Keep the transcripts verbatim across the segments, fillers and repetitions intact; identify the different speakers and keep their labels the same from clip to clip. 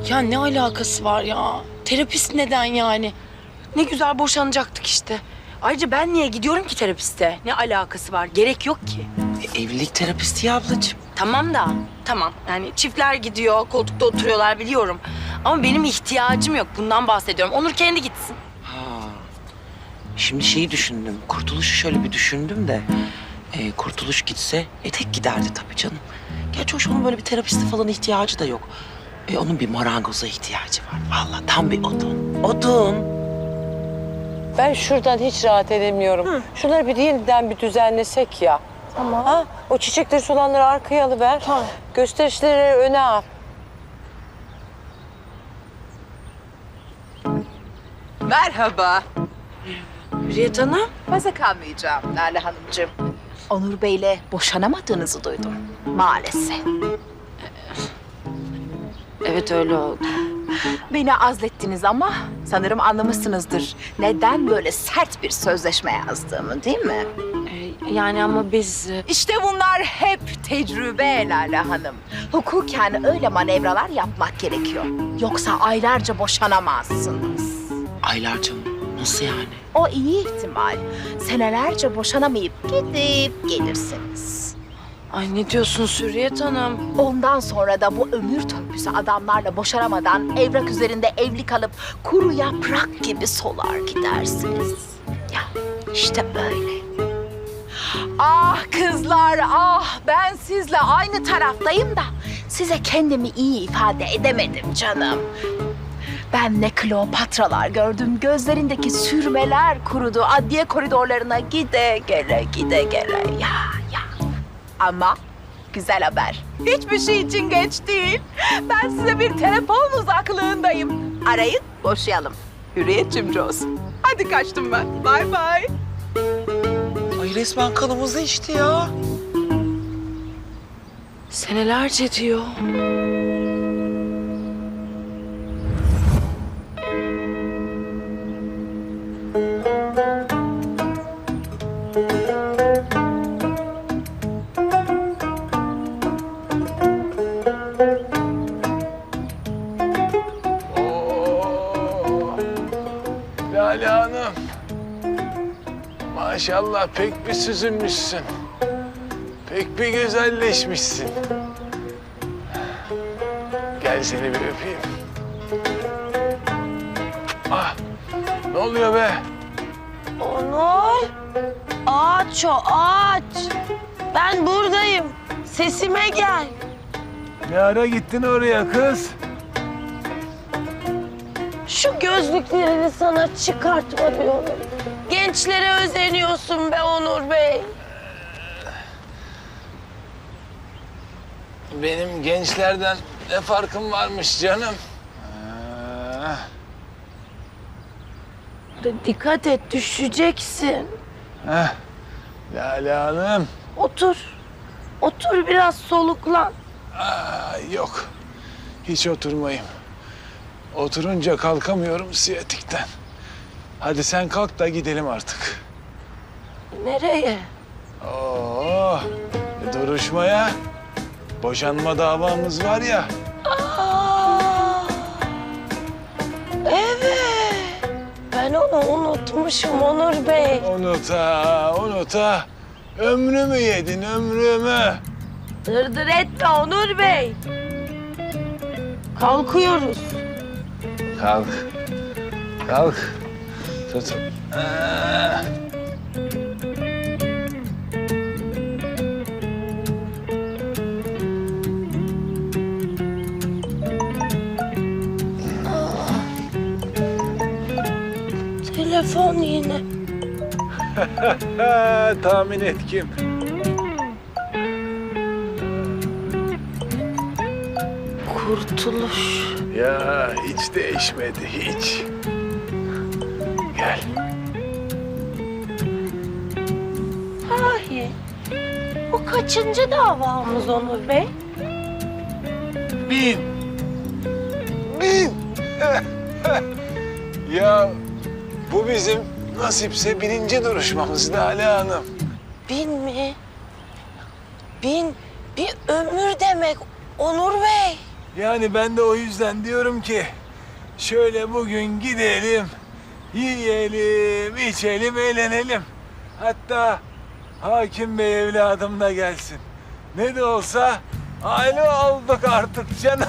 Speaker 1: Ya ne alakası var ya? Terapist neden yani? Ne güzel boşanacaktık işte. Ayrıca ben niye gidiyorum ki terapiste? Ne alakası var? Gerek yok ki.
Speaker 2: E, evlilik terapisti ya ablacığım.
Speaker 1: Tamam da, tamam. Yani çiftler gidiyor, koltukta oturuyorlar biliyorum. Ama benim ihtiyacım yok. Bundan bahsediyorum. Onur kendi gitsin.
Speaker 2: Ha. Şimdi şeyi düşündüm. Kurtuluş'u şöyle bir düşündüm de. E, Kurtuluş gitse e, tek giderdi tabii canım. Gerçi hoş onun böyle bir terapiste falan ihtiyacı da yok. E, onun bir marangoza ihtiyacı var. Vallahi tam bir odun. Odun.
Speaker 3: Ben şuradan hiç rahat edemiyorum. Hı. Şunları bir yeniden bir düzenlesek ya.
Speaker 1: Tamam.
Speaker 3: Ha? O çiçekleri solanları arkaya alıver.
Speaker 1: Tamam.
Speaker 3: Gösterişleri öne al.
Speaker 4: Merhaba.
Speaker 1: Hürriyet Hanım.
Speaker 4: Fazla kalmayacağım Lale Hanımcığım. Onur Bey'le boşanamadığınızı duydum. Maalesef.
Speaker 1: Evet öyle oldu.
Speaker 4: Beni azlettiniz ama sanırım anlamışsınızdır. Neden böyle sert bir sözleşme yazdığımı, değil mi?
Speaker 1: Ee, yani ama biz... e,
Speaker 4: İşte bunlar hep tecrübe Lale Hanım. Hukuken öyle manevralar yapmak gerekiyor. Yoksa aylarca boşanamazsınız.
Speaker 2: Aylarca mı? Nasıl yani?
Speaker 4: O iyi ihtimal. Senelerce boşanamayıp gidip gelirsiniz.
Speaker 1: Ay ne diyorsun Hürriyet Hanım?
Speaker 4: Ondan sonra da bu ömür törpüsü adamlarla boşanamadan evrak üzerinde evli kalıp kuru yaprak gibi solar gidersiniz. Ya işte böyle. Ah kızlar ah ben sizle aynı taraftayım da size kendimi iyi ifade edemedim canım. Ben ne Kleopatralar gördüm, gözlerindeki sürmeler kurudu, adliye koridorlarına gide gele gide gele ya ya. Ama güzel haber. Hiçbir şey için geç değil. Ben size bir telefon uzaklığındayım. Arayın, boşayalım. Hürriyet Cimroz. Hadi kaçtım ben. Bay bay.
Speaker 2: Ay resmen kanımızı içti ya.
Speaker 1: Senelerce diyor.
Speaker 5: Lale Hanım. Maşallah pek bir süzülmüşsün. Pek bir güzelleşmişsin. Gel seni bir öpeyim. Ah, ne oluyor be?
Speaker 1: Onur! Aç o aç! Ben buradayım. Sesime gel.
Speaker 5: Ne ara gittin oraya kız?
Speaker 1: Şu gözlüklerini sana çıkartma diyorum. Gençlere özeniyorsun be Onur Bey.
Speaker 5: Benim gençlerden ne farkım varmış canım? Ah,
Speaker 1: Dikkat et düşeceksin.
Speaker 5: heh. Lale Hanım.
Speaker 1: Otur. Otur biraz soluklan.
Speaker 5: Aa, yok. Hiç oturmayayım. Oturunca kalkamıyorum siyatikten. Hadi sen kalk da gidelim artık.
Speaker 1: Nereye?
Speaker 5: Oo, duruşmaya. Boşanma davamız var ya.
Speaker 1: Aa, evet. Ben onu unutmuşum Onur Bey.
Speaker 5: Unuta, unuta. Ömrümü yedin, ömrümü.
Speaker 1: Dırdır etme Onur Bey. Kalkıyoruz.
Speaker 5: Kalk. Kalk. Tut. Aa.
Speaker 1: Telefon yine.
Speaker 5: Tahmin et kim?
Speaker 1: Kurtuluş.
Speaker 5: Ya hiç değişmedi, hiç. Gel.
Speaker 1: Sahi. Bu kaçıncı davamız Onur Bey?
Speaker 5: Bin. Bin. Ya bu bizim nasipse birinci duruşmamız Lale Hanım.
Speaker 1: Bin mi? Bin, bir ömür demek Onur Bey.
Speaker 5: Yani ben de o yüzden diyorum ki şöyle bugün gidelim, yiyelim, içelim, eğlenelim. Hatta hakim bey evladım da gelsin. Ne de olsa aile olduk artık canım.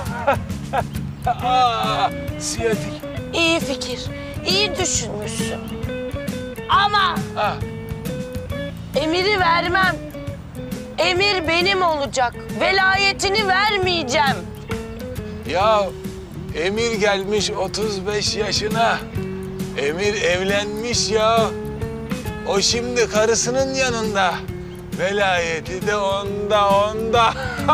Speaker 5: Aa, siyatik.
Speaker 3: İyi fikir. İyi düşünmüşsün. Ama
Speaker 5: Ah,
Speaker 3: emiri vermem. Emir benim olacak. Velayetini vermeyeceğim.
Speaker 5: ya Emir gelmiş otuz beş yaşına. Emir evlenmiş ya. O şimdi karısının yanında. Velayeti de onda, onda.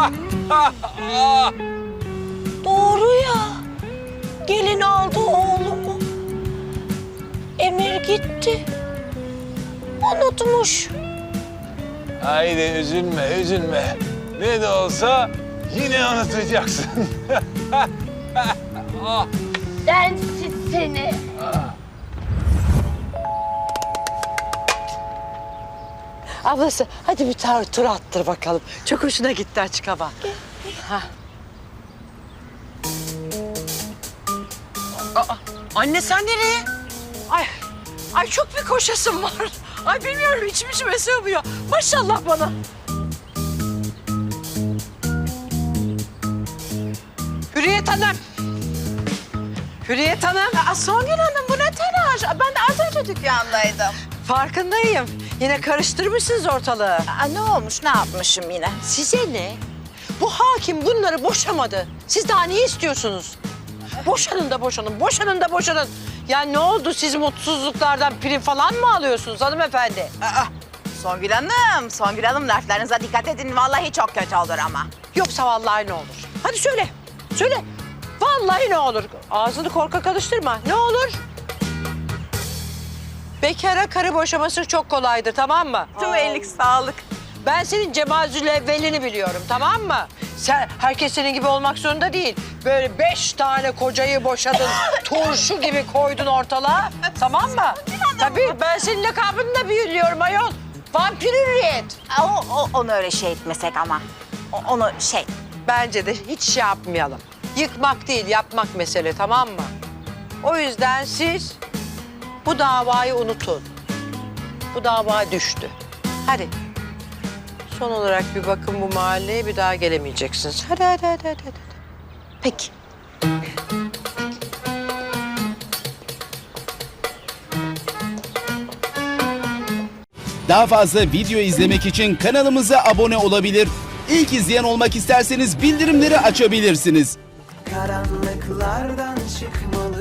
Speaker 3: Doğru ya. Gelin aldı oğlumu. Emir gitti. Unutmuş.
Speaker 5: Haydi üzülme, üzülme. Ne de olsa yine unutacaksın.
Speaker 3: Densiz seni. Ablası hadi bir tar tur attır bakalım. Çok hoşuna gitti açık hava.
Speaker 1: Anne sen nereye? Ay, ay çok bir koşasım var. Ay bilmiyorum içim içime sığmıyor. Maşallah bana.
Speaker 3: Hürriyet Hanım. Hürriyet Hanım.
Speaker 4: Aa, Songül Hanım bu ne telaş? Ben de az önce dükkandaydım.
Speaker 3: Farkındayım. Yine karıştırmışsınız ortalığı.
Speaker 4: Aa, ne olmuş, ne yapmışım yine?
Speaker 3: Size ne? Bu hakim bunları boşamadı. Siz daha ne istiyorsunuz? Boşanın da boşanın, boşanın da boşanın. Ya ne oldu? Siz mutsuzluklardan prim falan mı alıyorsunuz hanımefendi?
Speaker 4: Aa, Songül Hanım, Songül Hanım laflarınıza dikkat edin. Vallahi çok kötü olur ama.
Speaker 3: Yoksa vallahi ne olur? Hadi söyle, söyle. Vallahi ne olur? Ağzını korkak alıştırma. Ne olur? Bekara karı boşaması çok kolaydır, tamam mı?
Speaker 4: Tüm ellik sağlık.
Speaker 3: Ben senin Cemal Zülevvel'ini biliyorum, tamam mı? Sen, herkes senin gibi olmak zorunda değil. Böyle beş tane kocayı boşadın, turşu gibi koydun ortalığa, tamam mı? Tabii ben senin lakabını da biliyorum ayol. Vampir Hürriyet.
Speaker 4: Aa, O, o, onu öyle şey etmesek ama. O, onu şey...
Speaker 3: Bence de hiç şey yapmayalım. Yıkmak değil, yapmak mesele, tamam mı? O yüzden siz bu davayı unutun. Bu dava düştü. Hadi. Son olarak bir bakın bu mahalleye, bir daha gelemeyeceksiniz. Hadi, hadi, hadi, hadi. hadi.
Speaker 4: Peki.
Speaker 6: Daha fazla video izlemek için kanalımıza abone olabilir. İlk izleyen olmak isterseniz bildirimleri açabilirsiniz.
Speaker 7: Karanlıklardan çıkmalı